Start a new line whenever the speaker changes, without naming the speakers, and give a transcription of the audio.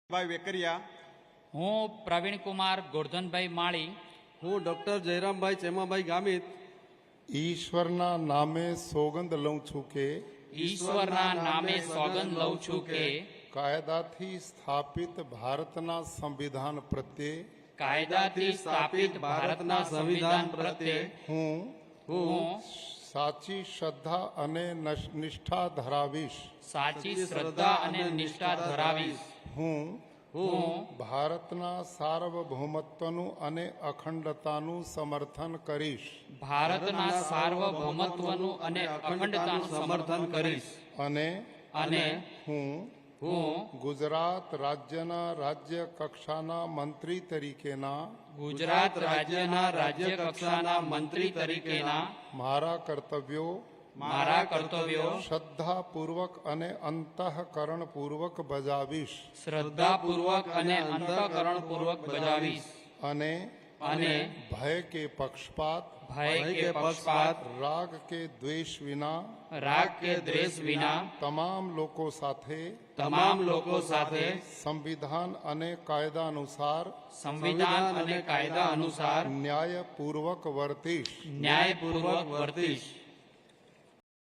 ભાઈ વેકરિયા,
હું પ્રવીણકુમાર ગોરધનભાઈ માળી,
હું ડોક્ટર જયરામભાઈ ચેમાભાઈ ગામિત
ઈશ્વરના નામે સોગંદ લઉં છું કે
ઈશ્વરના નામે સોગંદ લઉં છું કે
કાયદાથી સ્થાપિત ભારતના સંવિધાન પ્રત્યે
કાયદાથી સ્થાપિત ભારતના સંવિધાન પ્રત્યે
હું સાચી શ્રદ્ધા અને નિષ્ઠા ધરાવીશ.
સાચી શ્રદ્ધા અને નિષ્ઠા ધરાવીશ.
હું
હું
ભારતના સાર્વભૌમત્વનું અને અખંડતાનું સમર્થન કરીશ
ભારતના સાર્વભૌમત્વનું અને અખંડતાનું સમર્થન કરીશ.
અને હું
હું
ગુજરાત રાજ્યના રાજ્ય કક્ષાના મંત્રી તરીકેના
ગુજરાત રાજ્યના રાજ્ય કક્ષાના મંત્રી તરીકેના
મારા કર્તવ્યો શ્રદ્ધાપૂર્વક અને અંતઃકરણપૂર્વક બજાવીશ
શ્રદ્ધાપૂર્વક અને અંતઃકરણપૂર્વક બજાવીશ.
અને ભય કે પક્ષપાત રાગ કે દ્વેષ વિના તમામ લોકો સાથે સંવિધાન અને કાયદા અનુસાર ન્યાયપૂર્વક વર્તીશ.